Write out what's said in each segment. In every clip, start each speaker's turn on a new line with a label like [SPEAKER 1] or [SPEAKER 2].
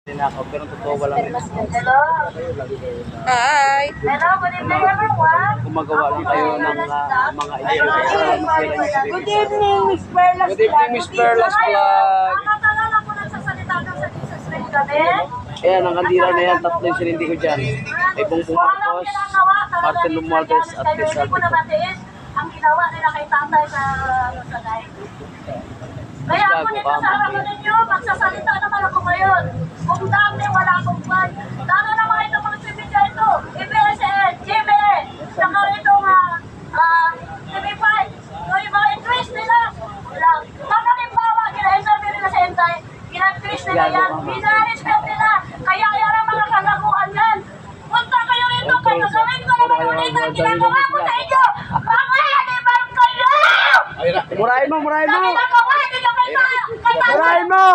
[SPEAKER 1] Tinakaw, pero totoo walang
[SPEAKER 2] Hello.
[SPEAKER 3] Hi!
[SPEAKER 2] Hello, good evening everyone.
[SPEAKER 1] gumagawa lang kayo ng mga ideya.
[SPEAKER 2] Good evening, Miss Perlas.
[SPEAKER 1] Good evening, Miss Perlas Vlog.
[SPEAKER 2] Nakakalala ko nagsasalita ng sa Jesus rin kami.
[SPEAKER 1] Ayan, ang kandila na yan, tatlo yung sinindi ko dyan. Ay Bongbong Marcos, Martin Romualdez, at Chris
[SPEAKER 2] Hindi ko na matiis ang ginawa nila kay tatay sa Sagay. Kaya ako dito sa harapan ninyo, magsasalita naman ako ngayon. Kung dati wala akong ban, sana naman itong mga sibidya ito, EBSN, GBA, saka itong TV5, yung mga interest nila. Kakalimbawa, kina-interview nila sa Entay, kina-interest nila yan, binariskan nila, kaya yan ang mga kalaguan yan. Punta kayo rito, kaya gawin ko naman ulit ang ginagawa ko sa inyo. Mga animal kayo!
[SPEAKER 1] Murahin mo, murahin mo!
[SPEAKER 2] Murahin mo!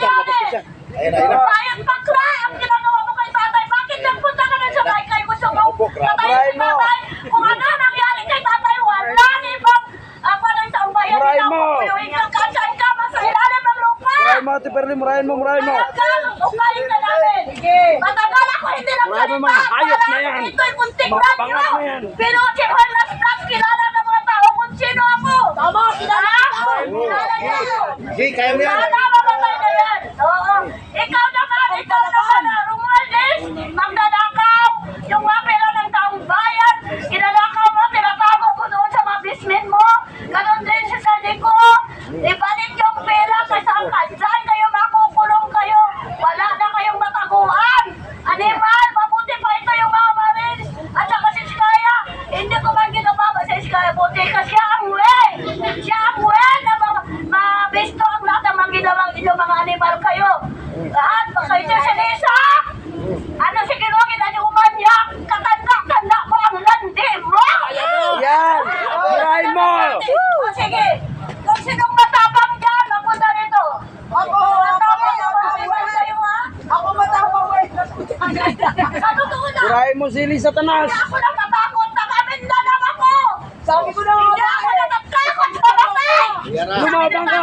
[SPEAKER 2] Bayad bakla ang ginagawa mo kay tatay. Bakit nagpunta ka na sa baykay? Gusto mo patayin si tatay? Kung ano nangyari kay tatay, wala ni bang parang sa bayan nila. Kuyuhin kang kansyan ka, sa ilalim ng lupa.
[SPEAKER 1] Murahin mo, Ate Perli, murahin mo, murahin mo!
[SPEAKER 2] Upayin na namin. Matagal ako hindi
[SPEAKER 1] Murahin mo mga hayop na yan!
[SPEAKER 2] Ito'y muntik
[SPEAKER 1] Mga
[SPEAKER 2] na
[SPEAKER 1] bangat na yan!
[SPEAKER 2] Pero si Juan Plus, kilala ng mga tao kung sino ako. Tama, kilala ako. Kilala niyo.
[SPEAKER 1] Hey, kaya mo yan!
[SPEAKER 2] Mamatay na yan. Oo. Ikaw naman, Romualdez, magdadakaw. Yung mga pera ng taong bayan, kinadakaw mo, tinatago mo doon sa mga bismin mo. Ganon din si Sadico. Ibalik yung pera kasi ang kansan kayo, makukulong kayo. Wala na kayong mataguan. Animal, mabuti pa ito yung mga marines. At saka si Skaya, hindi ko man ginababa sa Skaya. Buti ka siya ang way. Siya ang way na mabisto ang lahat ng mga ginawang inyong mga animal kayo. Lahat, kayo siya si Lisa. Ano si Kirogin, ano umanyak? Katanda-tanda mo ang landi mo.
[SPEAKER 1] Yan! Murahin mo!
[SPEAKER 2] O sige, kung sinong matapang dyan, mapunta nito. Ako matapang yung animal kayo ha. Ako matapang sa totoo na.
[SPEAKER 1] Murahin mo si Lisa Tanas!
[SPEAKER 2] Hindi ako natatakot, taga-Mindanao ako! Sabi ko na hindi ako natatakot sa patay!
[SPEAKER 1] Lumabang ka!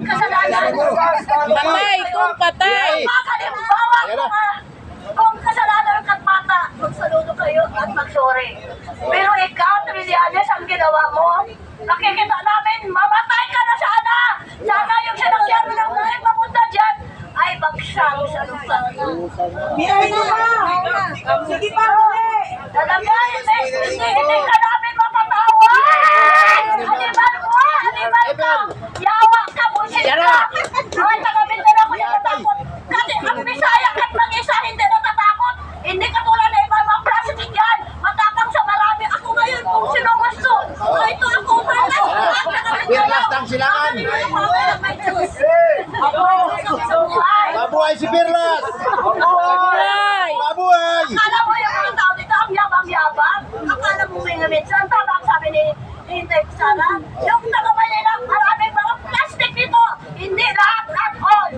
[SPEAKER 3] Patay kung patay!
[SPEAKER 2] Makalimbawa ko nga, kung kasalanan kat mata, magsaludo kayo at mag-sorry. Pero ikaw, Trillanes, ang ginawa mo, nakikita namin, mamatay ka na sana! Sana yung sinakyan mo ng buhay papunta dyan, ay bagsang sa lupa.
[SPEAKER 4] Biyahe na ba? Sige pa, huli!
[SPEAKER 2] Talaga, hindi ka namin mapatawan! Animal mo! Animal ka! Yawa ka, busit ka! Ay, taga-Mindanao ko yung natakot. Kasi ang Bisaya at mag-isa hindi natatakot. Hindi ka tulad na iba mga plastic yan. Matapang sa marami. Ako ngayon kung sino gusto. Ito ako.
[SPEAKER 5] Birlas ng silangan. Mabuhay si Birlas!
[SPEAKER 3] Patay!
[SPEAKER 5] Mabuhay!
[SPEAKER 2] Akala mo yung mga tao dito ang yabang-yabang. Akala mo may namitsan. Tama ang sabi ni Hintay Sara. Yung taga-Manila, maraming mga plastic dito. Hindi lahat at all.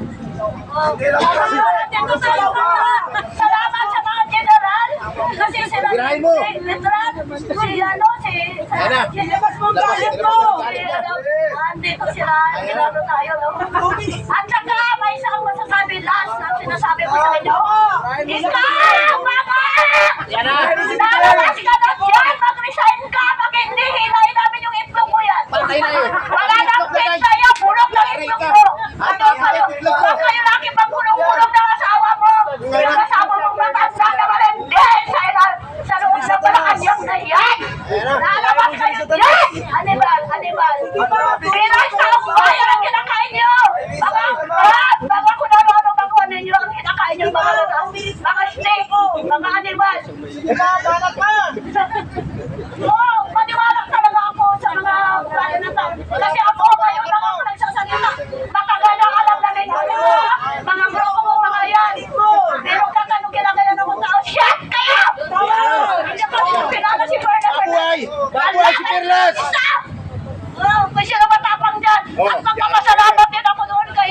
[SPEAKER 2] Salamat sa mga general. Kasi sila
[SPEAKER 5] Girahin mo.
[SPEAKER 2] literal. Si ano, si...
[SPEAKER 4] Labas mo ang galit mo!
[SPEAKER 2] Andito sila. Ginagawa tayo. At saka may isang masasabi last na sinasabi ko sa inyo. Ikaw, mama! Lalabas ka na dyan! Mag-resign ka! Pag hindi, hilahin namin yung itlog mo yan!
[SPEAKER 5] Patay na yun!
[SPEAKER 2] Wala nang pet sa'yo! Bulog ng itlog mo! Ano kayo? Huwag kayo lagi pagulong-bulong ng asawa mo! Yung asawa mong matanda naman hindi! Sa loob ng Malacanang na yan! Lalabas kayo dyan! Animal! Animal! Pinas na ang bayan ang kinakain nyo! Mga kung ano-ano bago ninyo ang kinakain nyo mga steak! Mga animal!
[SPEAKER 4] Balat ka!
[SPEAKER 2] Oo, maniwala talaga ako sa mga bayan na tao. Kasi ako, kayo lang ako nagsasalita. Matagal na alam na rin mga grupo mo, mga yan. Pero katanong kinagaya ng mga tao, shit kayo! Hindi ko pinala si Berna.
[SPEAKER 5] Mabuhay! Mabuhay si Birlas!
[SPEAKER 2] Oo, kung sino matapang dyan. At magpapasalamat din ako noon kay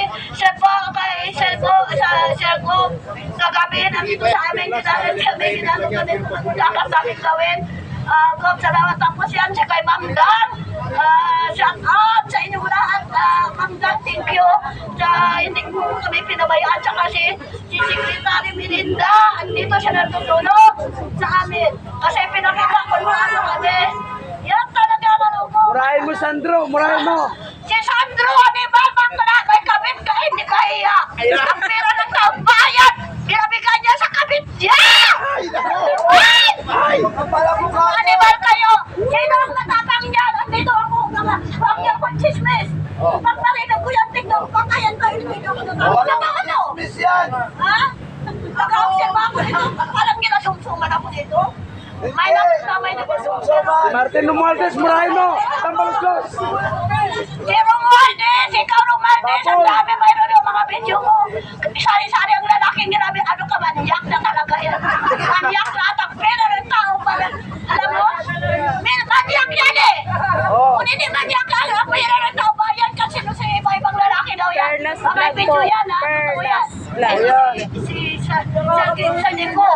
[SPEAKER 2] Sergo. Kagabi, nandito sa amin, ginagawa kami dapat sa amin gawin. Salamat tapos yan siya kay Ma'am Dan. Shout out sa inyo lahat. Ma'am Dan, thank you. Hindi ko kami pinabayaan. Tsaka si Sigrita Melinda. Andito siya natutulog sa amin. Kasi pinakakakuan kami. Yan talaga malubog.
[SPEAKER 1] Murahin mo, Sandro. Murahin mo.
[SPEAKER 2] Si Sandro, ano ba? May kabit ka, hindi ka iya. Ang pera ng taong bayan, binabigay niya sa kabit niya!
[SPEAKER 5] Ay!
[SPEAKER 2] Animal kayo! Sino ang matapang niyan? Andito ako, huwag niyo kong chismis! Pag marinig ko yan, tignan ko, kakayan kayo, hindi ko natapang ano?
[SPEAKER 5] Miss yan!
[SPEAKER 2] Ha? Nag-aobserba ako dito, parang ginasumsuman ako dito. May nagkasumsuman.
[SPEAKER 1] Martin Romualdez, murahin mo. Tambaluslos.
[SPEAKER 2] Si Romualdez, ikaw Romualdez, ang dami mayroon yung mga video mo. Sari-sari ang lalaking grabe, ano ka, manyak na talaga yan. Manyak lahat ang pera ng tao pala. Alam mo, manyak yan eh. Kung hindi manyak yan, ang pera ng tao ba yan? Kasi no, sa iba-ibang lalaki daw yan.
[SPEAKER 3] Fairness
[SPEAKER 2] May
[SPEAKER 3] lang
[SPEAKER 2] video
[SPEAKER 3] po.
[SPEAKER 2] yan ha, totoo yan. Sa Nico.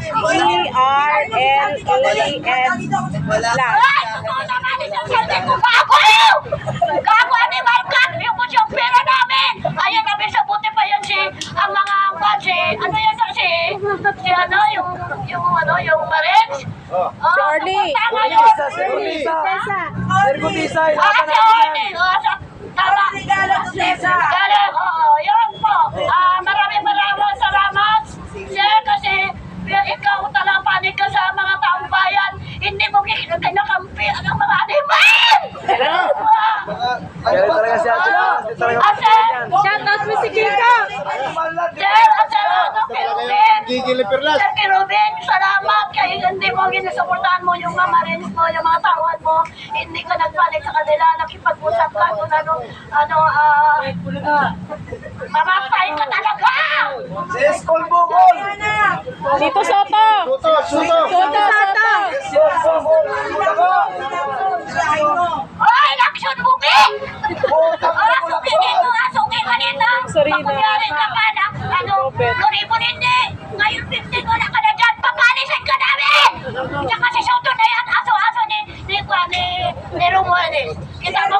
[SPEAKER 3] FERLES lang.
[SPEAKER 2] Ay, totoo naman isang saldi ko. Gago! Gago, animal cut! Yung yung pera namin! Ayun, namin sa buti pa yan si, ang mga si, ano yan si ano, yung Marines?
[SPEAKER 3] Si Orly.
[SPEAKER 2] Tama yun!
[SPEAKER 1] Sergutisa. Sergutisa.
[SPEAKER 2] Ah,
[SPEAKER 1] Ilaban
[SPEAKER 2] si
[SPEAKER 1] natin
[SPEAKER 2] Orly!
[SPEAKER 1] yan.
[SPEAKER 2] Tama! Galing, oo, yun po. Maraming salamat. Sir, kasi ikaw talagang panig ka sa mga taong bayan. Hindi mo kinakampi ang mga animal!
[SPEAKER 1] Kaya talaga si Ate Paz. Hindi talaga
[SPEAKER 2] Asen!
[SPEAKER 3] Shoutout mo si Kika.
[SPEAKER 2] Sir, kay Ruben!
[SPEAKER 5] Gigil ni Perlas!
[SPEAKER 2] Sir, kay Ruben, salamat. Kaya hindi mo ginasuportahan mo yung mga marines mo, yung mga tauhan mo. Hindi ka nagpanik sa kanila, nakipag-usap ka kung mamapay ka talaga!
[SPEAKER 5] Si Eskol Bukol!
[SPEAKER 3] Dito Soto.
[SPEAKER 5] Suto! Suto!
[SPEAKER 3] Soto, Soto.
[SPEAKER 2] Oy, action movie! Suki dito, suki ka dito!
[SPEAKER 3] Sarina.
[SPEAKER 2] Pakunyari ka pa na, guribo hindi! Ngayon 15 wala ka na dyan, papalisin ka namin! Tsaka si Soto na yan, aso-aso ni Romualdez. Kita mo,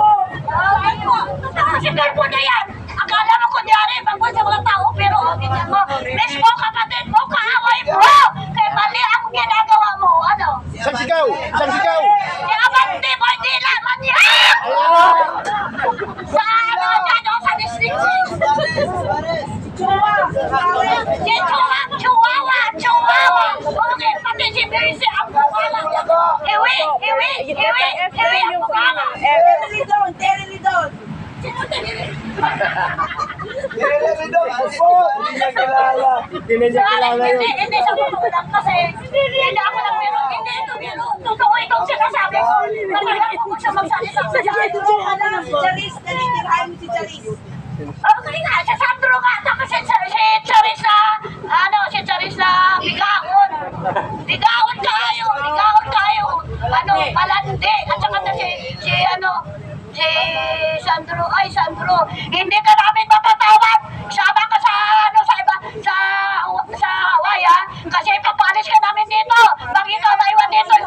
[SPEAKER 2] si Garbo na yan! Akala mo kunyari, bangkot sa mga tao, pero kita mo, miss mo, kapatid mo, kaaway mo! Kaya mali ang ginagawa mo, ano?
[SPEAKER 5] Isang sigaw! Isang sigaw!
[SPEAKER 2] Abante mo, hindi laman yan! Sa ano dyan, sa district 6. Chihuahua! Okay, pati si Berisi ang bukala. Iwi ang bukala. Sino tiniri?
[SPEAKER 1] Hindi niya kilala. Hindi niya kilala yun.
[SPEAKER 2] Hindi sa totoo lang kasi hindi ako lang biro. Hindi ito biro. Totoo itong sinasabi ko. Talagang kung siya magsalita sa okay nga, si Sandro nga, tapos si Charis na bigaon. Bigaon kayo. Malandi. At saka na si Sandro, hindi ka namin mapatawad. Sama ka sa Hawaii, ha? Kasi papalis ka namin dito. Pag ikaw maiwan dito.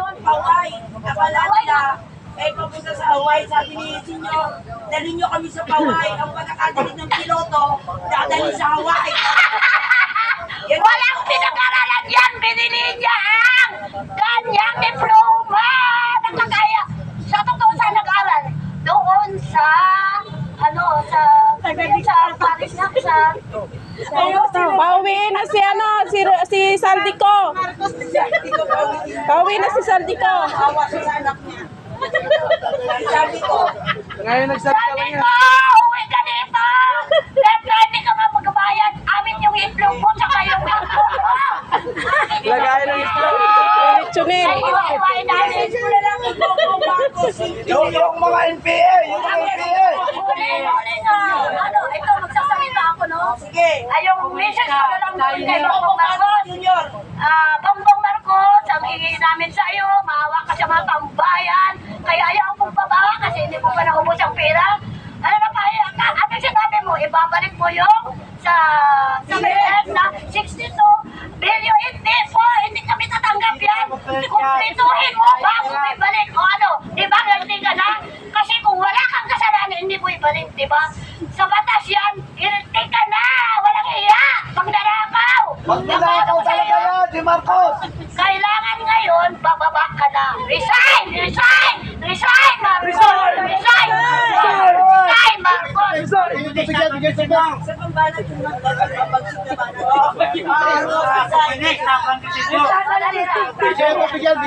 [SPEAKER 4] Papunta sa Hawaii, sabi ni Senyor, dalhin nyo kami sa Hawaii. Ang pagkakagalit ng piloto, dadalhin sa Hawaii.
[SPEAKER 2] Walang pinag-aralan yan. Binili niya ang kanyang diploma. Nakakaya. Sa totoo sa nag-aral. Doon sa Paris na
[SPEAKER 3] Pauwi na si Saldico. Pauwi na si Saldico.
[SPEAKER 4] Awa siya sa anak niya. Sabi ko,
[SPEAKER 1] Ngayon nagsalita lang
[SPEAKER 2] Sabi
[SPEAKER 1] yan.
[SPEAKER 2] ko, uwi ka dito. Siyempre, hindi ka magbayad. Amin yung itlog mo, tsaka yung itlog mo.
[SPEAKER 1] Lagayan ng islam.
[SPEAKER 3] Chunil.
[SPEAKER 2] Ay, iwain namin.
[SPEAKER 4] wala lang ikaw kung bago.
[SPEAKER 5] Yung mga NPA! Yung mga NPA!
[SPEAKER 2] Huli nga. Ito, magsasalita ako, no?
[SPEAKER 4] Sige.
[SPEAKER 2] Ay, yung message ko na lang doon kay Bongbong Marcos.
[SPEAKER 4] Junior.
[SPEAKER 2] Bongbong Marcos, ang hingi namin sa iyo, maawa ka sa mga tambayan. Kaya ayaw kong babawa kasi hindi mo pa naubos ang pera. Ano na pa, ano sinabi mo, ibabalik mo yung sa BF na 62 billion. Hindi po, hindi kami tatanggap yan. Kumplituhin mo bago mo ibalik. O ano, di ba ganti ka na? Kasi kung wala kang kasalanan, hindi mo ibalik, di ba? Sa batas yan, iriti ka na, walang iya, pagdarakaw.
[SPEAKER 5] Magnanakaw talaga yan, si Marcos!
[SPEAKER 2] Kailangan ngayon, bababa ka na. Resign! Resign! Resign, Marcos! Resign! Resign, Marcos!
[SPEAKER 5] Sige.
[SPEAKER 4] Sa pambanat yung magpapagpapag
[SPEAKER 5] Sige, bigyan,